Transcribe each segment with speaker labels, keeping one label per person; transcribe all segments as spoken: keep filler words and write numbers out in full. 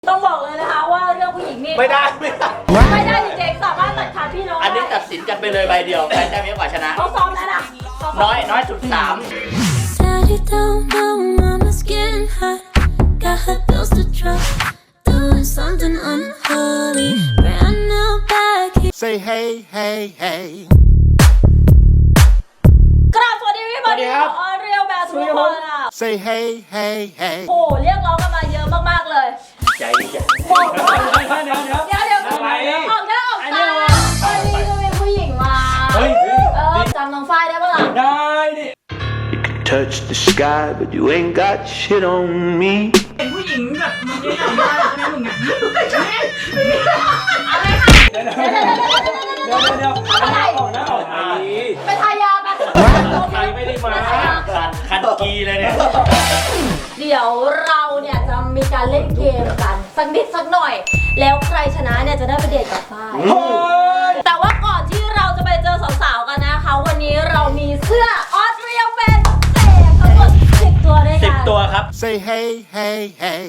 Speaker 1: ต้องบอกเลยนะคะว่าเรื่องผู้หญิงนี่
Speaker 2: ไม่ได้ไม่ได้
Speaker 1: ไม่ได้จริงๆสามารถตัดขาดพี่น้อง
Speaker 2: อันนี้ตัดสินกันไปเลยใบเดียวใครได้เยอะกว่าชนะ
Speaker 1: เขาซ้อมแล้วนะ
Speaker 2: น้อยน้อยสุดสาม
Speaker 3: Say hey hey hey
Speaker 1: กราบสวัสดีพี่บอดี้ของออเรียลแบสทุกคนอ่ะ
Speaker 3: Say hey hey hey
Speaker 1: โอ้เรียกร้องกันมาเยอะมากๆเลย
Speaker 2: ใจดีใจ
Speaker 1: บอกว่าเดี๋ยวเดี๋ยวเดี๋ยวเดี๋ยวออกหน้าออกตาวันนี้ก็เป็นผู้หญิงมาเออจำน้องฝ้ายได้ปะล่ะ
Speaker 4: ได้ดิ
Speaker 5: You can touch the sky but you ain't got shit on me
Speaker 4: เป็นผู้หญิงแบบมึงยังทำได้ใช่ไหมมึงเนี่ย
Speaker 1: อะไรค่ะเดี๋ยวเดี๋ยว
Speaker 4: เดี๋ยวเดี๋ยวเดี๋ยวทำอะไรออกนะออกไอ
Speaker 1: ไปทายาไป
Speaker 4: ใครไม่ได้มา
Speaker 2: คันคันกีเลยเนี่ย
Speaker 1: เดี๋ยวเราเนี่ยจะมีการเล่นเกมกันสักนิดสักหน่อยแล้วใครชนะเนี่ยจะได้ไปเดทกับฝ้ายแต่ว่าก่อนที่เราจะไปเจอสาวๆกันนะคะวันนี้เรามีเสื้อออสเตรียเป็นเศษทั้งหมดสิบตัวด้วยกัน
Speaker 2: สิบตัวครับ
Speaker 3: Say hey hey hey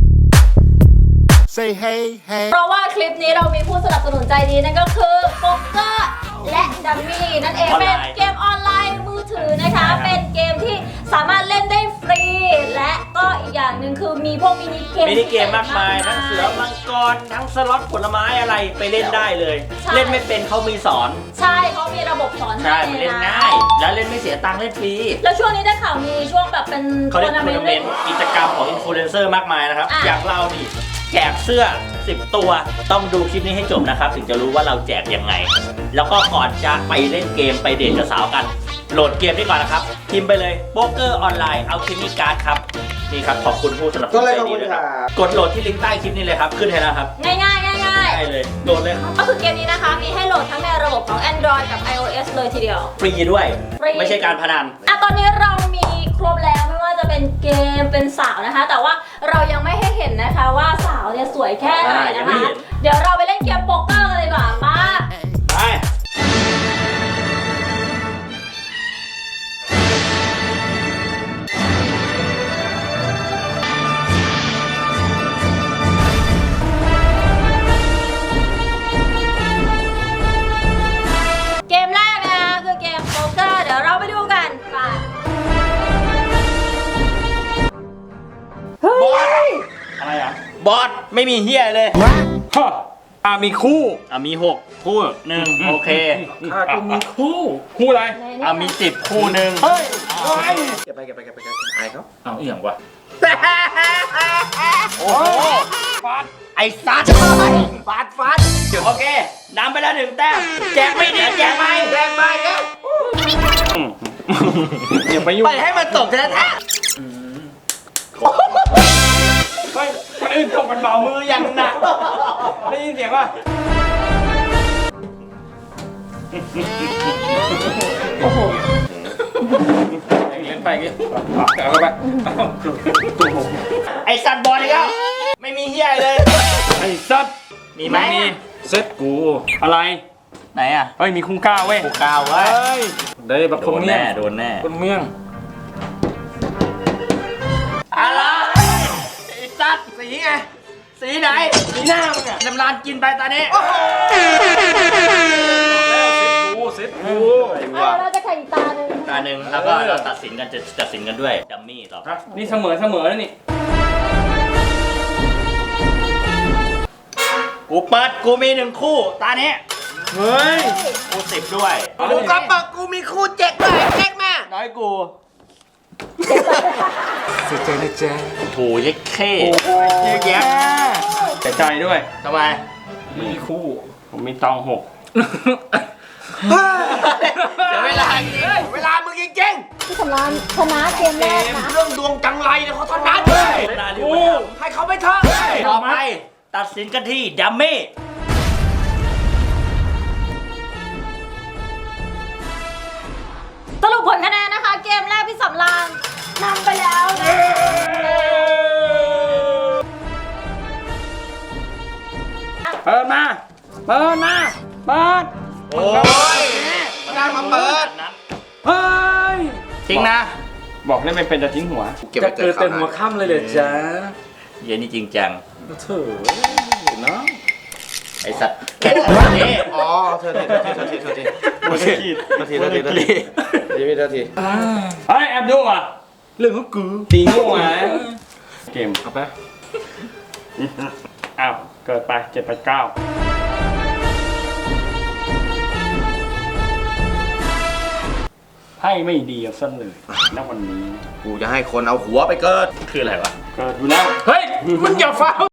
Speaker 3: Say hey hey
Speaker 1: เพราะว่าคลิปนี้เรามีผู้สนับสนุนใจดีนั่นก็คือโป๊กเกอร์และดัมมี่นั่นเองเป็นเกมออนไลน์มือถือนะคะเป็นเกมที่สามารถเล่นได้ฟรีและก็อีกอย่างหนึ่งคือมีพวกมินิเกม
Speaker 2: มินิเกมมากมายทั้งเสือมังกรทั้งสล็อตผลไม้อะไรไปเล่นได้เลยเล่นไม่เป็นเขามีสอน
Speaker 1: ใช่เขามีระบบสอนให้
Speaker 2: ใช่มันเล่นง่ายแล้วเล่นไม่เสียตังค์เล่นฟรี
Speaker 1: แล้วช่วงนี้ได้ข่าวมีช่วงแบบเป็น
Speaker 2: เขาเรียกทัวร์นาเมนต์กิจกรรมของอินฟลูเอนเซอร์มากมายนะครับอย่างเรานี่แจกเสื้อสิบตัวต้องดูคลิปนี้ให้จบนะครับถึงจะรู้ว่าเราแจกยังไงแล้วก็ก่อนจะไปเล่นเกมไปเดทกับสาวกันโหลดเกมนี้ก่อนนะครับพิมพ์ไปเลยโป๊กเกอร์ออนไลน์เอาคลิปนี้การ์ดครับนี่ครับขอบคุณผู้สนับสนุนใจดีด้วยครับกดโหลดที่ลิงก์ใต้คลิปนี้เลยครับขึ้นให้แล้วครับ
Speaker 1: ง่ายง่ายง่ายง่าย
Speaker 2: ได้เลยโหลดเลยครับ
Speaker 1: ก็คือเกมนี้นะคะมีให้โหลดทั้งในระบบของ Android กับ iOS เลยทีเดียว
Speaker 2: ฟรีด้วยไม่ใช่การพนัน
Speaker 1: อ่ะตอนนี้เรามีครบแล้วไม่ว่าจะเป็นเกมเป็นสาวนะคะแต่ว่าเรายังไม่ให้เห็นนะคะว่าสาวเนี่ยสวยแค่ไหนนะคะเดี๋ยวเราไปเล่นเกมโป๊กเกอร์กันเลยดีกว่ามา
Speaker 2: ไป
Speaker 1: เกมแรกนะคะคือเกมโป๊กเกอร์เดี๋ยวเราไปดูกันไป
Speaker 2: บอสอะไรอ่ะบอสไม่มีเฮียเลย
Speaker 4: ฮะอ่ามีคู่
Speaker 2: อ่ะมีหกคู่หนึ่งโอเค
Speaker 4: อ่าก็มีคู่คู่อะไร
Speaker 2: อ่ะมีสิบคู่หนึ่ง
Speaker 4: เฮ้ยเฮ้ย
Speaker 2: เก็บไปเก็บไปเก็บไปเก็บไอ้เขา
Speaker 4: เอาเอี่ยงวะ
Speaker 2: โอ้โหฟัดไอ้ซัดฟัดฟัดโอเคนำไปแล้วหนึ่งแต้มแจกไม่ดีแจกไปแจกไปเนี่ย
Speaker 4: อย่าไปยุ่ง
Speaker 2: ไปให้มันตกแท้
Speaker 4: เฮ้ยคนอื่นตกกันเบามือยังหนักได้ยินเสียงป่ะโอ้โหเล่นไปกี่เอาไป
Speaker 2: ไอ้สัตว์บอลอีกแล้วไม่มีเฮียเลย
Speaker 4: ไอ้สัตว์
Speaker 2: มีไหมมี
Speaker 4: เซ็ตกูอะไร
Speaker 2: ไหนอ่ะ
Speaker 4: เฮ้ยมีคุ้งก้าวเว้ย
Speaker 2: คุ้งก้าวเว้ย
Speaker 4: ได้แบบคนเมี่ยง
Speaker 2: โดนแน่
Speaker 4: คนเมี่ยง
Speaker 2: อะไรไอ้สัตว์สีไงสีไหนสีหน้ามึงอ่ะน้ำลานกินไปตอนนี้
Speaker 4: เซ็ตกู
Speaker 1: เซ็ตกูเราจะแข่งตาหนึ่ง
Speaker 2: ตาหนึ่งแล้วก็เราตัดสินกันจะตัดสินกันด้วยดัมมี่ต่อ
Speaker 4: นี่เสมอเสมอแล้วนี่
Speaker 2: กูเปิดกูมีหนึ่งคู่ตานี้
Speaker 4: เฮ้ย
Speaker 2: กูสิบด้วย
Speaker 3: กูก็บอกกูมีคู่เจ็ดด้วยเจ็ดมา
Speaker 2: น้อยกู
Speaker 4: เสียใจนะแจ๊
Speaker 2: โถยักเข้เยอะแยะ
Speaker 4: เสียใจด้วย
Speaker 2: ทำไม
Speaker 4: มีคู่ผมมีตองหก
Speaker 2: เสียเวลาเวลามึงจริง
Speaker 1: ๆที่สำรานชนะเกมแรกนะ
Speaker 2: เรื่องดวงจังไรเนี่ยเขาถนัดให้เขาไปเถอะต่อไปตัดสินกันที่ดัมมี่
Speaker 1: สรุปผลคะแนนนะคะเกมแรกพี่สำรานนำไปแล้วนะ
Speaker 4: เปิดมาเปิดมาเปิด
Speaker 2: โอ้ย
Speaker 3: งานมาเปิด
Speaker 4: เฮ้ย
Speaker 2: จริงนะ
Speaker 4: บอกเล่นไม่เป็นจะทิ้งหัวจะเกิดเต็มหัวค่ำเลยเลยจ้า
Speaker 2: เย็นนี่จริงจัง
Speaker 4: เถอะเนาะ
Speaker 2: ไอสัตว์แค่ตัวนี้
Speaker 3: อ๋อเธอทีเธอทีเธอทีเธอทีเธอทีเธอทีเธอทีเธอที
Speaker 4: เฮ้ยแอบดูอ่ะเรื่องของกูตีงูอ่ะเกมเอาไปอ้าวเกิดไปเจ็ดไปเก้าให้ไม่ดีเอาซะเลยณวันนี้
Speaker 3: กูจะให้คนเอาหัวไปเกิด
Speaker 2: คืออะไรวะ
Speaker 4: เกิดอยู่แล้วเฮ้ยมึงอย่าฟ้าว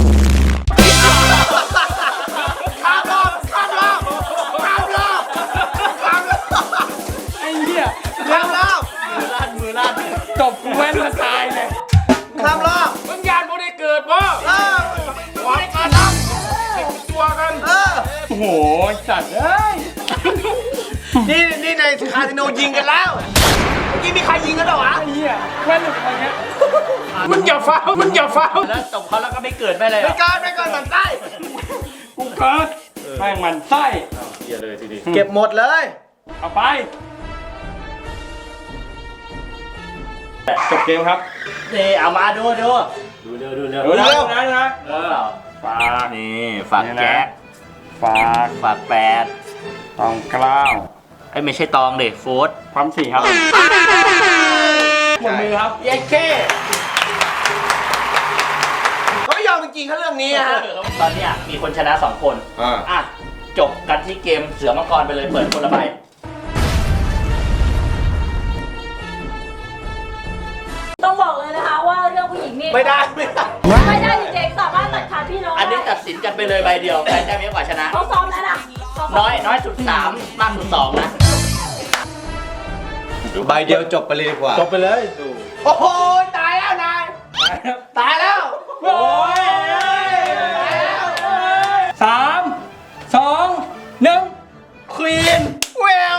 Speaker 3: ข้ามรอบข้ามรอบข้ามรอบข้ามรอบ
Speaker 4: ไอ้เหี้ย
Speaker 3: ข้ามรอบ
Speaker 2: มือลั่นมือลั่น
Speaker 4: จบกูแว้นมาตายเลย
Speaker 3: ข้ามรอบ
Speaker 4: มึงยานบ่ได้เกิดป่ะ
Speaker 3: เออ
Speaker 4: หวังกันนะตัวกัน
Speaker 3: เออ
Speaker 4: โอ้โหสัตว์เอ้ย
Speaker 3: นี่นี่ในคาสิโนยิงกันแล้วเมื่อกี้มีใครยิงกันเหรอวะ
Speaker 4: ไอ้เหี้ยแว่นหลุดอะไรเงี้ยมึงอย่าฟ้าวมึงอย่าฟ้าว
Speaker 2: แล้วตบเขาแล้วก็ไม่เกิดไม่เลย
Speaker 3: ไป
Speaker 2: อ่ะ
Speaker 3: เกินไปเกินมันใต้
Speaker 4: กูเกิดแม่งมันไส้
Speaker 2: เหี้ยเลยทีนี้
Speaker 3: เก็บหมดเลย
Speaker 4: เอาไปจบเกมครับ
Speaker 2: นี่เอามาดูดูดูเร็วดูเร็ว
Speaker 4: ดูนะดูนะดูนะ
Speaker 2: เออ
Speaker 4: ฝาก
Speaker 2: นี่ฝากแจ็ค
Speaker 4: ฝาก
Speaker 2: ฝากแปด
Speaker 4: ตองกล้าว
Speaker 2: ไอ้ยไม่ใช่ตองเด็โฟร์ธ
Speaker 4: ความสี่ครับหมดมือครับ
Speaker 3: เย้เค้เขาไม่ยอมจริงๆเขาเรื่องนี้อะฮะ
Speaker 2: ตอนเนี้ยมีคนชนะสองคน
Speaker 3: อ่า
Speaker 2: อ่ะจบกันที่เกมเสือมังกรไปเลยเปิดคนละใบ
Speaker 1: ต้องบอกเลยนะคะว่าเรื่องผู้หญิงนี่
Speaker 3: ไม่ได้ไม่ได้
Speaker 1: ไม่ได้จริงๆสามารถตัดขาดพี่น้อง
Speaker 2: อันนี้
Speaker 1: ได้
Speaker 2: ตัดสินกันไปเลยใบเดียวใครได้เยอะกว่าชนะ
Speaker 1: เขาซ้อมแล้วนะเขาซ้ม
Speaker 2: น้อยน้อยสุดสามมากสุดสองนะ
Speaker 3: ใบเดียวจบไปเลยดีกว่า
Speaker 4: จบไปเลย
Speaker 3: โอ้โหตายแล้วนายตายแล้ว
Speaker 4: โอ้ยสามสองหนึ่งควีน
Speaker 3: เวล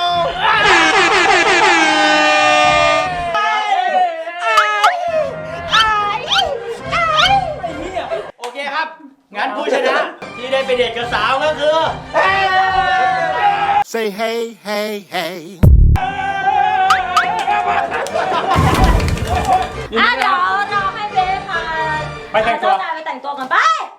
Speaker 2: โอเคครับ งั้นผู้ชนะที่ได้ไปเดทกับสาวก็คือ
Speaker 3: Say hey hey hey
Speaker 1: อ่ะเดี๋ยวเราให้เบสค่ะ
Speaker 4: ไปแต่งตัว
Speaker 1: เจ้านายไปแต่งตัวกันไป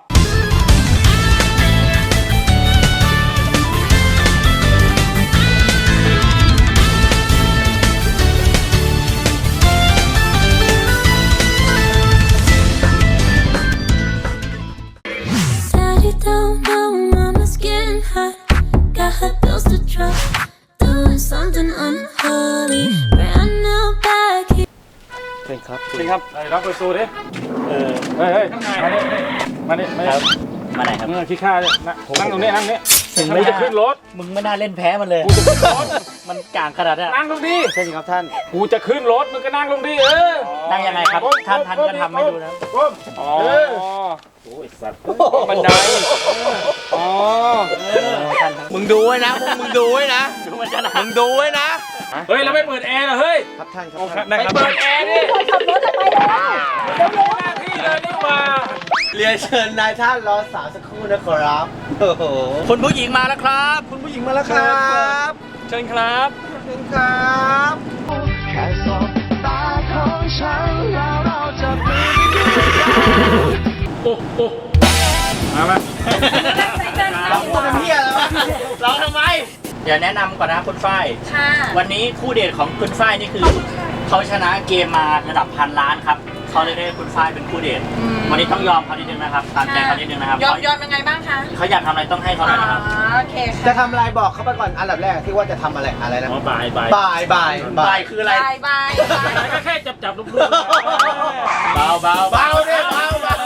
Speaker 6: Daddy don't know mama's getting hot. Got her bills to drop. Doing something unholy. Brand new bag.
Speaker 4: จริงครับจริงครับไอ้รับไปสู้ดิเออเฮ้ยเฮ้ยมาดิมาดิมาดิ
Speaker 2: มาไหนครับ
Speaker 4: เมื่อขี้ข้าเนี่ยนะนั่งตรงนี้นั่งนี้กูจะขึ้นรถ
Speaker 2: มึงไม่น่าเล่นแพ้มันเลย
Speaker 4: กูจะขึ้นรถ
Speaker 2: มันกลางขนาดนี้น
Speaker 4: นั่งลงดิ
Speaker 3: ใช่ครับท่าน
Speaker 4: กูจะขึ้นรถมึงก็นั่งลงดิเออ
Speaker 2: นั่งยังไงครับท่านท่านก็ทำให้ดูนะ
Speaker 4: อ๋อโอ้ยสัตว์บันไดอ๋อ
Speaker 3: มึงดูไว้นะพวกมึงดูไว้นะ
Speaker 2: ดูมันจะหนั
Speaker 3: มึงดูไว้นะ
Speaker 4: เฮ้ยเราไม่เปิดแอร์เหรอเฮ้ย
Speaker 3: ครับท่านค
Speaker 4: โอ
Speaker 3: รับ
Speaker 4: เค
Speaker 3: ท่าน
Speaker 4: ได้ครับเปิดแอร์ดิ
Speaker 1: คนขับรถจะไปแล้ว
Speaker 4: หน้าที่เลยนี่มา
Speaker 3: เรียนเชิญนายท่านรอสาวสักครู่นะครับโอ้โห
Speaker 2: คุณผู้หญิงมาแล้วครับ
Speaker 3: คุณผู้หญิงมาแล้วครับ
Speaker 4: เชิญครับ
Speaker 3: เชิญครับ
Speaker 5: แค่สบตาของฉันแล้วเราจะมี
Speaker 4: โอ้โอ้มามา
Speaker 3: เราพูดเป็นเพี้ยแล้ววะ
Speaker 2: ร้องทำไม เดี๋ยวแนะนำก่อนนะคุณฝ้าย
Speaker 1: ค่ะ
Speaker 2: วันนี้คู่เดทของคุณฝ้ายนี่คือเขาชนะเกมมาระดับพันล้านครับเขาเลยได้คุณฝ้ายเป็นคู่เดทวันนี้ต้องยอมเขานิดนึงนะครับตามใจเขานิดนึงนะครับ
Speaker 1: ยอม
Speaker 2: เขา
Speaker 1: ยอมยังไงบ้างคะ
Speaker 2: เขาอยากทำอะไรต้องให้เขาหน่อยนะครับ
Speaker 1: โอเคค่ะ
Speaker 3: จะทำอะไรบอกเขาไปก่อนอันดับแรกที่ว่าจะทำอะไรอะไรนะ
Speaker 2: อ๋อบายบาย
Speaker 3: บายบาย
Speaker 2: บายคืออะไร
Speaker 1: บายบายบาย
Speaker 4: ก็แค่จับจับลูก
Speaker 2: เบาเบา
Speaker 3: เบาเนี่ยเบาเบา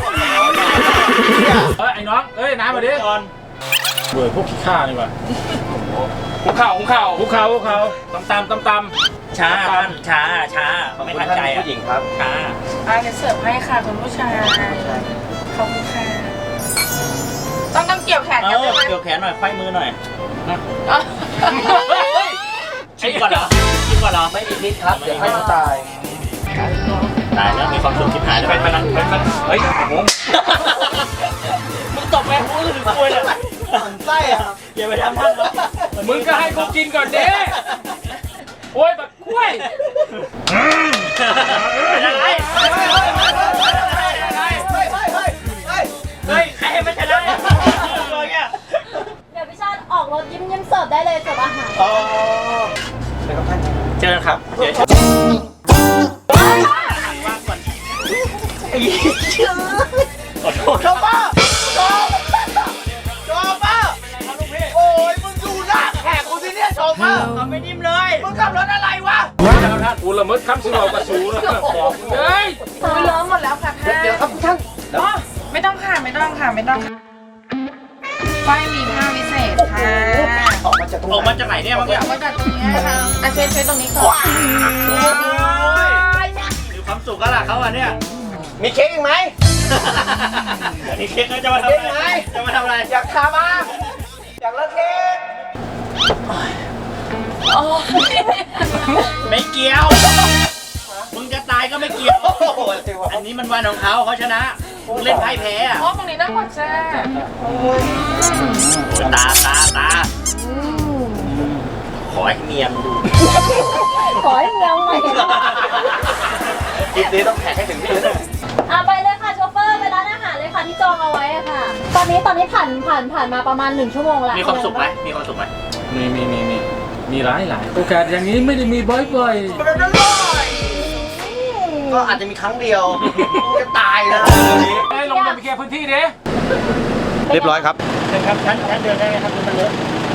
Speaker 4: เฮ้ยไอ้น้องเอ้ยน้ำมาดิก่อนเบื่อพวกขี้ข้านี่ว่ะหุกเข่าหุกเข่าหุกเข่าหุกเข่าตำตำตำตำ
Speaker 2: ช้าท่านช้าช้าไม่ทันใจอ่ะ
Speaker 3: ผู้หญิงครับ
Speaker 2: ช้า
Speaker 7: อ่าจะเสิร์ฟให้ค่ะคุณผู้ชายขอบคุณค่ะ ต้องต้องเกี่ยวแขน
Speaker 2: เอ
Speaker 7: กัน
Speaker 2: อ
Speaker 7: ใช่ไหม
Speaker 2: เกี่ยวแขนหน่อยไขว้มือหน่อย
Speaker 7: อ๋อ
Speaker 2: ชิมก่อนเหรอชิมก่อนเหรอ
Speaker 3: ไม่มีพิษครับเดี๋ยวให้เขาตาย
Speaker 2: ตายแล้วมีความสุขชิบหายแล้ว
Speaker 4: ไปไปนั่งไปไปเฮ้ยผม
Speaker 2: มึงตบแม่กูหรือกล้วยเนี่ย
Speaker 3: มันไส้อะ
Speaker 2: อย่าไปทำท่านเลย
Speaker 4: มึงก็ให้กูกินก่อนเด้โอ้ยแบบกล้วย
Speaker 2: เป็นอะไร
Speaker 4: อะไร
Speaker 1: ได้เลยเสิร์ฟอาหาร
Speaker 3: อ๋อ
Speaker 2: เจอกันครับเดี๋ยวว่างก่อนขอโทษ
Speaker 3: ชอบป่ะชอบชอบป่ะโอ้ยมึงดูหน้าแขกกูสิเนี่ยชอบป่ะ
Speaker 2: เขาไม่นิ่มเลย
Speaker 3: มึงขับรถอะไรวะ
Speaker 4: กูละเมิดคำสิเรากระสูนะบอกเฮ้ย
Speaker 7: อุ้ยล้อมหมดแล้วค่ะท่าน
Speaker 3: เดี๋ยวครับท่าน
Speaker 7: อ๋อไม่ต้องค่ะไม่ต้องค่ะไม่ต้องไฟมีผ้าวิเศษค่ะ
Speaker 3: ออกมาจากตรง
Speaker 2: ออกมาจากไหนเนี่ยเมื่อกี้
Speaker 7: เอาไว้จากตรงนี้นะคะอ่ะเช็ดเช็ดตรงนี้ก่อน
Speaker 2: มีความสุขกันล่ะเขาอ่ะเนี่ย
Speaker 3: มีเค้กอีกไหม
Speaker 2: นี่เค้กเขาจะมาทำอะไรจะมาทำอะไร
Speaker 3: อยากทามาอยากเลิกเค้ก
Speaker 2: ไม่เกี่ยวมึงจะตายก็ไม่เกี่ยว
Speaker 3: โอ้โห
Speaker 2: อันนี้มันวันของเขาเขาชนะมึงเล่นไพ่แพ้อะ
Speaker 7: อ๋อตรงนี้นั่งกดแช่
Speaker 2: ตาตาตาขอให้เมียมงดู
Speaker 1: ขอให้เงี้ยวใหม่
Speaker 3: คลิปนี้ต้องแท็กให้ถึงที่เลย
Speaker 1: อ่ะไปเลยค่ะโชเฟอร์ไปร้านอาหารเลยค่ะที่จองเอาไว้อะค่ะ ตอนนี้ตอนนี้ผ่านผ่านผ่านมาประมาณหนึ่งชั่วโมงแล้ว
Speaker 2: มีความสุขไหมมีความสุขไหม
Speaker 4: มีมีมีมีมีหลายหลายโอกาสอย่างนี้ไม่ได้มีบ่อย
Speaker 3: ก็อาจจะมีครั้งเดียวจะตายนะ
Speaker 4: ๆไอ้ลงมาไปเคลียร์พื้นที่ดิ
Speaker 3: เรียบร้อยครับ
Speaker 2: เชิญครับชั้นชั้นเดินได้ไหมครับมันเลอะ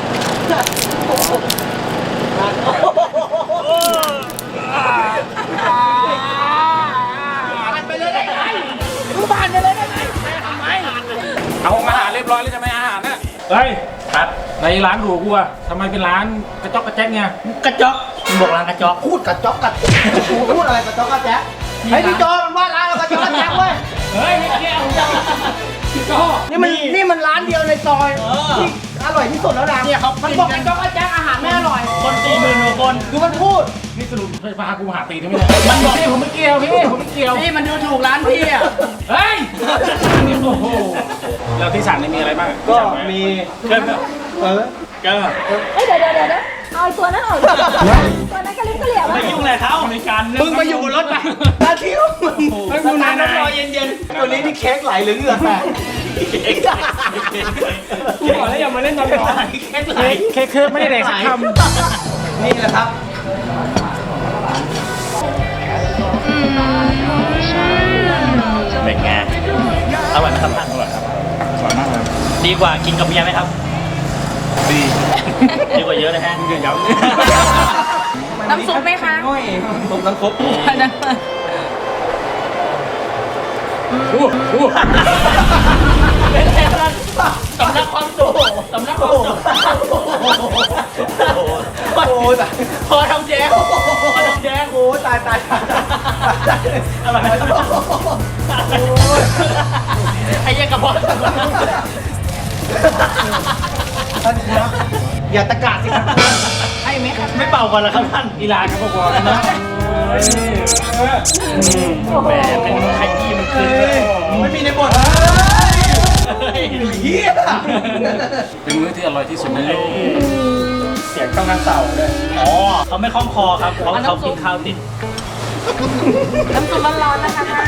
Speaker 3: ผ่านไปเลยได้ไงมึงผ่านไปเลยได้ไงทำไม
Speaker 4: เอาอาหารเรียบร้อยแล้วใช่ไหมอาหารน่ะเฮ้ย
Speaker 2: ครับ
Speaker 4: ในร้านหรูกูอะทำไมเป็นร้านกระจอกกระแจ๊กเนี่ย
Speaker 2: กระจอกมึงบอกร้านกระจอก
Speaker 3: พูดกับจ๊อกกับพูดอะไรกับจ๊อกกับแจ๊คไอ้พี่จอมันว่าร้านเรากับจ๊อกกับแจ๊คเว้ย
Speaker 4: เฮ้ยไม่เกี่ยวพี่โก้
Speaker 3: นี่มันนี่มันร้านเดียวในซอยที่อร่อยที่สุดแล้วนะ
Speaker 2: เนี่ยเขา
Speaker 3: มันบอกกับจ๊อกกับแจ๊คอาหารไม่อร่อย
Speaker 2: คนสี่หมื่นกว่าคน
Speaker 3: คือมันพูด
Speaker 4: นี่สรุปไฟฟ้ากูหาตีนไม่ได้มันบอกพี่ผมไม่เกี่ยวพี่ผมไม่เกี่ยว
Speaker 3: นี่มันดูถูกร้านพี่อ่ะ
Speaker 4: เฮ้ยโอ้โหแล้วที่สั่งนี่มีอะไรบ้าง
Speaker 3: ก็มี
Speaker 2: เกิน
Speaker 3: เออ
Speaker 2: เกิน
Speaker 1: เอ้ยเดี๋ยวเดี๋ยวเดี๋ยวเดี๋ยวเอาไอ้ตัวนั้นออกก่อนตัวนั้นกระลิบกระเหลี่ยม
Speaker 2: ไม่ยุ่งเลยเขาในการ
Speaker 3: มึงมาอยู่บนรถไปหน้าที่ของมึง
Speaker 2: ให้กูนาน
Speaker 3: น้ำรอเย็นๆตัวนี้นี่เค้กไหลหรือเหงื่อแตก
Speaker 2: กูบอกแล้วอย่ามาเล่นตอนร้อนแค่ไหน
Speaker 4: เค้กเคิร์ฟไม่ได้แดกสักคำ
Speaker 3: นี่แหละครับ
Speaker 2: เป็นไงอร่อยไหมครับท่านอร่อยครับอร่อยมากเลยดีกว่ากินกับเมียไหมครับ ดีดีกว่าเยอะเลยฮะเยอะเยอะ
Speaker 7: น้ำซุปไหมคะ
Speaker 3: ต้มน้ำซุป
Speaker 4: อู้อู้
Speaker 2: สำนักความสุขสำนักความสุข
Speaker 3: โอ้ยตาย
Speaker 2: พอทำแจ๊กพอทำแจ๊ก
Speaker 3: โอ้ยตายตายตาย
Speaker 2: อะไรไอ้ยังกระเพาะ
Speaker 3: ท่านครับอย่าตะกาดสิครับ
Speaker 7: ไอ้ไหมคะ
Speaker 2: ไม่เป่าก่อนเหรอครับท่าน
Speaker 4: กีฬาครับพอๆแล้วนะ
Speaker 2: แหมเป็นขยี้มันขึ้น
Speaker 3: ไม่มีในบทเฮีย
Speaker 4: เป็นมื้อที่อร่อยที่สุดในโลก
Speaker 2: เสียงต้องนั่งเต่าเลยอ๋อเขาไม่คล่องคอครับเขาเขากินข้าวติด
Speaker 7: น้ำซุปร้อนๆนะคะท่าน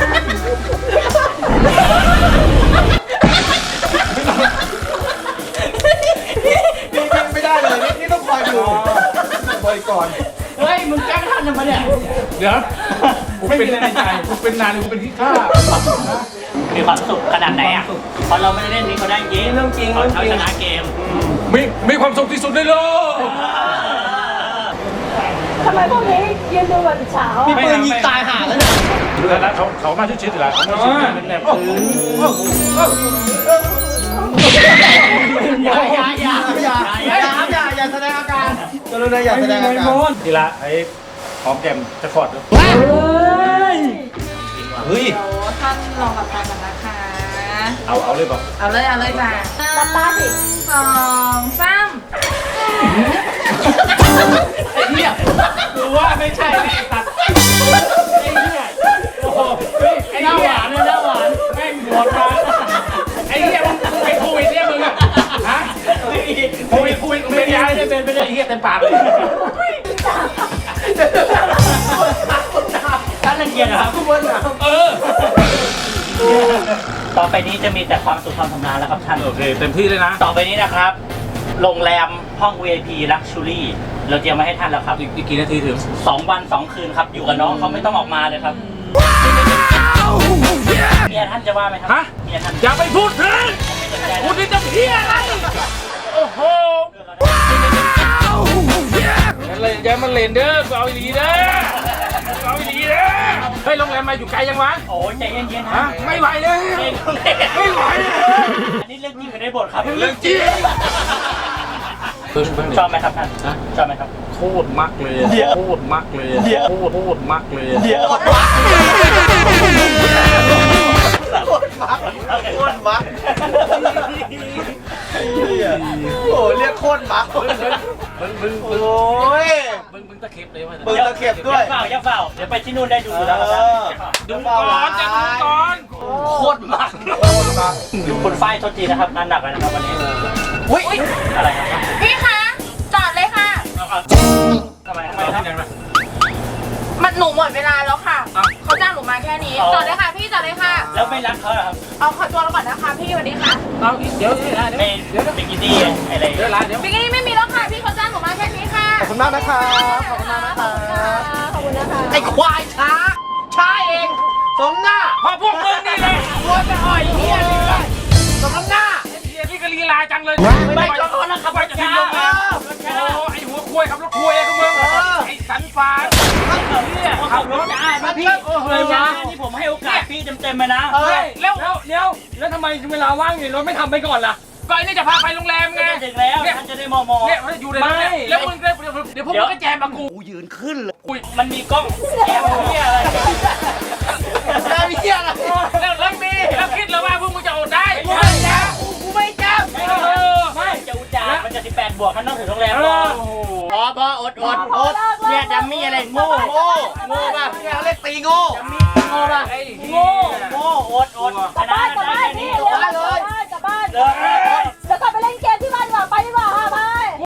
Speaker 3: นี่ไม่ได้เลยนี่ต้องคอยดูบริกร
Speaker 2: เฮ้ยมึงแกล้งท่านทำไมเนี่ย
Speaker 4: เดี๋ยวกูเป็นในใจกูเป็นนานกูเป็นที่ข้า
Speaker 2: มีความสุขขนาดไหนอ่ะเพราะเราไม่ได้เล่นนี้เขาได้เกม
Speaker 3: เรื่องจริง
Speaker 2: เขา
Speaker 3: เรื่องจริง
Speaker 2: ชนะเกม
Speaker 4: มีมีความสุขที่สุดในโลก
Speaker 1: ทำไมพวกนี้ยืนดูแบบเฉา
Speaker 3: มีปืนยิงตายห่าแล้วเนี่ย
Speaker 4: แล้วเขาเขามาชิดๆหรอเขามาชิดๆเป็นแบบปืน
Speaker 3: อย่าอย่าอย่าอย่าอย่าอย่าอย่าแสดงอาการกรุณาอย่าแสดงอาการ
Speaker 4: ทีละไอ้หอมแก้มจะขอดดู
Speaker 3: เฮ้ย
Speaker 7: โอ้ท่านลองหลับตากันนะคะ
Speaker 4: เอาเอาเลยป่ะ
Speaker 7: เอาเลยเอาเลยจ้ะ
Speaker 1: หลับตาสิ
Speaker 7: สองสาม
Speaker 2: ไอ้เหี้ยกูว่าไม่ใช่ไอ้ตัดไอ้เหี้ยโอ้โหไอ้หน้าหวานเลยหน้าหวานแม่งหมดมาไอ้เหี้ยมึงไอ้โควิดเนี่ยมึงอะฮะโควิดโควิดไม่ได้ไม่ได้เป็นไม่ได้ไอ้เหี้ยเต็มปากเลยท่านรังเกียจเหรอครับเออต่อไปนี้จะมีแต่ความสุขความสำราญแล้วครับท่าน
Speaker 4: โอเคเต็มที่เลยนะ
Speaker 2: ต่อไปนี้นะครับโรงแรมห้อง วี ไอ พี Luxury เราเตรียมมาให้ท่านแล้วครับ
Speaker 4: อีกกี่นาทีถึง
Speaker 2: สองวันสองคืนครับ อยู่กับน้องเขาไม่ต้องออกมาเลยครับเมียท่านจะว่าไหมครั
Speaker 4: ฮะ
Speaker 2: เมียท่าน
Speaker 4: อย่าไปพูดถึง
Speaker 2: ไม่สนใจ
Speaker 4: พูดที่จะเพี้ยอะไรโอ้โหงั้นเลยอย่ามาเล่นเด้อกูเอาอีหลีเด้อกูเอาอีหลีเด้อเฮ้ยโรงแรมมาอยู่ไกลยังวะ
Speaker 2: โอ้ยใจเย็นๆ
Speaker 4: ฮะ
Speaker 2: ฮะ
Speaker 4: ไม่ไหวเลย ไม่ไหวเลย
Speaker 2: อันนี้เรื่องจริงอยู่ในบทครับ
Speaker 4: เรื่องจริง
Speaker 2: ชอบไหมครับท่านชอบไหมครับ
Speaker 4: โคตรมักเลย
Speaker 2: เดี๋ยว
Speaker 4: โคตรมักเลย
Speaker 2: เดี๋ยว
Speaker 4: โคตรโคตรมักเลย
Speaker 2: เดี๋ยว
Speaker 3: โคตรมักโคตรมักโคตรมักโอ้เรียกโคตรมัก
Speaker 4: มึงมึง
Speaker 3: โอ้ย
Speaker 4: มึงมึงตะเข็บเลยว่ะ
Speaker 3: มึงตะเข็บด้วย
Speaker 2: อย่าเฝ้าอย่าเฝ้าเดี๋ยวไปที่นู่นได้ดูแล้วครับ
Speaker 4: ดูก่อนจะดูก่อน
Speaker 2: โคตรมาก
Speaker 3: โคตรมัก
Speaker 2: ดูคนไฟโทษทีนะครับงานหนักเลยนะครับวันนี้
Speaker 3: อุ้ย
Speaker 2: อะไรครับ
Speaker 7: พี่คะจอดเลยค่ะ
Speaker 2: เอาเอาทำไมทำไมครับ
Speaker 7: มันหนูหมดเวลาแล้วค่ะเขาจ้างหนูมาแค่นี้
Speaker 2: อ๋อ
Speaker 7: จอดเลยค่ะพี่จอดเลยค่ะ
Speaker 2: แล้วไม่รักเขาเหรอครับ
Speaker 7: เอาขอตัวเราก่อนนะคะพี่สวัสดีค่ะ
Speaker 4: เอาเดี๋ยวเดี๋ยวเดี๋ยว
Speaker 2: ไม่
Speaker 4: เดี๋ยว
Speaker 2: บิกินี่อะไร
Speaker 4: เดี๋ยวร้านเดี๋ยว
Speaker 7: บิกินี่ไม่มีแล้วค่ะพี่เขาจ้างหนูมาแค่นี้ค่ะ
Speaker 3: ขอบคุณมากนะครับขอบคุณมากนะครับ
Speaker 1: ขอบคุณนะคะ
Speaker 3: ไอ้ควายช้า ช้าเองสมหน้า
Speaker 4: พอพวกมึงนี่แหละ
Speaker 3: วัวจะอ่อยเฮียนี่เลยสมน้ำหน้า
Speaker 4: เฮียนี่ก็ลีลาจังเลย
Speaker 2: ไม่ก็ร้อนนะครับ
Speaker 4: ไปจะทิ้งลงมาโอ้ไอหัวคุยขับรถคุยไอ้พวกมึงไอสันฟ้าเนี่ย
Speaker 2: ขั
Speaker 4: ขั
Speaker 2: บบ ร
Speaker 4: ร
Speaker 2: ถ
Speaker 4: ถ
Speaker 2: ได้ไหมพี่
Speaker 4: โอ้โห
Speaker 2: เลยนะนี่ผมให้โอกาสพี่เต็มๆเลยนะ
Speaker 3: เออ
Speaker 4: แล้วแล้วเดี๋ยวแล้วทำไมเวลาว่างอยู่รถไม่ทำไปก่อนล่ะก็ไอ้นี่จะพาไปโรงแรมไง
Speaker 2: ถึงแล้วท่านจะได้มองมอง
Speaker 4: เนี่ยอยู่ในนั้นแล้วมึงเดี๋ยวพวกมึงก็แจมมากู
Speaker 2: มันมีกล้องแอบเฮียอะไร
Speaker 3: ได้เฮียอะไร
Speaker 4: แล้วแล้วมีแล้วคิดแล้วว่าพวกมึงจะอดได้
Speaker 3: กูไม่จับกูไม่จับ
Speaker 4: เออ
Speaker 2: ไม่จะอุจจาระมันจะสิบแปดบวกท่านต้องถึงโรงแรม
Speaker 4: เอ
Speaker 2: ก่อ
Speaker 4: อน โอ้โห
Speaker 2: พอพออดอดอดเนี่ยดัมมี่อะไรโง่
Speaker 3: โง่โง่ป่ะเนี่ยเขาเรียกตีโง่
Speaker 2: โง่ป่ะ
Speaker 4: ไอ้
Speaker 2: โง่โง่อดอด
Speaker 1: กลับบ้านกลับบ้านนี่เร็วกลับบ้านกลับบ้านเดี๋ยวกลับไปเล่นเกมที่บ้านดีกว่าไปดีกว่าค่ะไป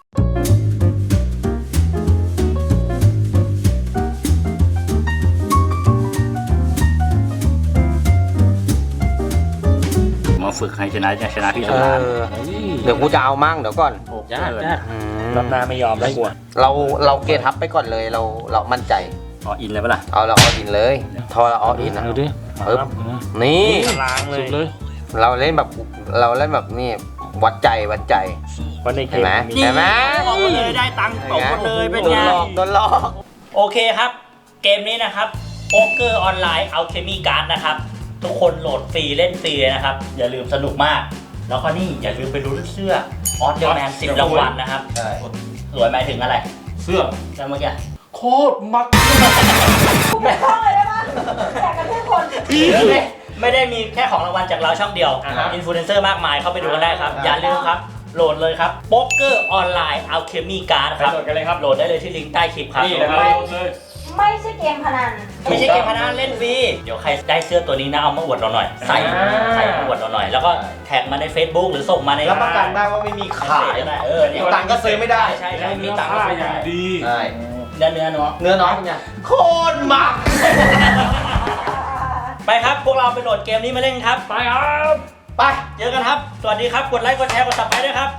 Speaker 2: มาฝึกให้ชนะชนะพี่ส
Speaker 8: เอ
Speaker 2: มาน
Speaker 8: อเดี๋ยวกูจะเอามั่งเดี๋ยวก่อน
Speaker 2: ยากยาก
Speaker 8: อืม
Speaker 2: รอบหน้าไม่ยอมแล้วกลัว
Speaker 8: เราเราเกทับไปก่อนเลยเราเรามั่นใจ
Speaker 2: อ๋ออินเลยปะล่ะ
Speaker 8: เอาเราอออินเลย ทอเราอออินนะ
Speaker 4: เอาดิ
Speaker 8: ปึ๊บนี่
Speaker 2: ล้างเล
Speaker 4: สุ
Speaker 2: ย
Speaker 4: ดเลย
Speaker 8: เราเล่นแบบเราเล่นแบบนี่วัดใจวัดใจ
Speaker 2: เพราะในเก
Speaker 8: เห็น
Speaker 2: ม
Speaker 8: ไหม
Speaker 2: มี
Speaker 8: เห็นไหม
Speaker 2: บอกมาเลยได้ตังค์ตกหมดเลยเป็น
Speaker 8: โด
Speaker 2: ไง
Speaker 8: นหลอกโดนหลอก
Speaker 2: โอเคครับ เกมนี้นะครับโป๊กเกอร์ออนไลน์เอาเคมีการ์ดนะครับ ทุกคนโหลดฟรีเล่นฟรีนะครับ อย่าลืมสนุกมาก แล้วก็นี่อย่าลืมไปลุ้นเสื้อออสเดอร์แมนสิบรางวัลนะครับ
Speaker 3: ใช่
Speaker 2: สวยหมายถึงอะไร
Speaker 4: เสื้อ
Speaker 2: แล้วเมื่อกี้
Speaker 4: โคตรมัก
Speaker 1: ไม่ต้องเลยได้ปะแจกกันทุกคน
Speaker 2: ไม่ไม่ได้มีแค่ของรางวัลจากเราช่องเดียว
Speaker 4: อ่าฮะ
Speaker 2: อินฟลูเอนเซอร์มากมายเข้าไปดูกันได้ครับ อย่าลืมครับ โหลดเลยครับโป๊กเกอร์ออนไลน์เอาเคมีการ์ดครับ
Speaker 4: ไปโหลดกันเลยครับ
Speaker 2: โหลดได้เลยที่ลิงก์ใต้คลิปครับ
Speaker 4: นี่นะครับเลย
Speaker 1: ไม่ใช่เกมพนัน
Speaker 2: ไม่ใช่เกมพนันเล่นฟรี เดี๋ยวใครได้เสื้อตัวนี้นะเอามาอวดเราหน่อย ใส่
Speaker 4: อ่า
Speaker 2: ใส่มาอวดเราหน่อย แล้วก็แท็กมาใน Facebook หรือส่งมาใน
Speaker 3: รับประกันได้ว่าไม่มีขาย
Speaker 2: ก็ได้เออเนี่ย
Speaker 3: มีตังค์ก็ซื้อไม่ได้
Speaker 2: ใช่ใช่มีตังค์ก็ซื้อ
Speaker 4: อย่าง
Speaker 2: ได้
Speaker 4: ดี
Speaker 3: ใช่
Speaker 2: เนื้อเนื้อเนาะ
Speaker 3: เนื้อน้อยเป็นไงโคตรมัก
Speaker 2: ไปครับ พวกเราไปโหลดเกมนี้มาเล่นครับ
Speaker 4: ไปครับ
Speaker 3: ไป
Speaker 2: เจอกันครับ สวัสดีครับ กดไลค์ กดแชร์ กดซับสไครต์ด้วยครับ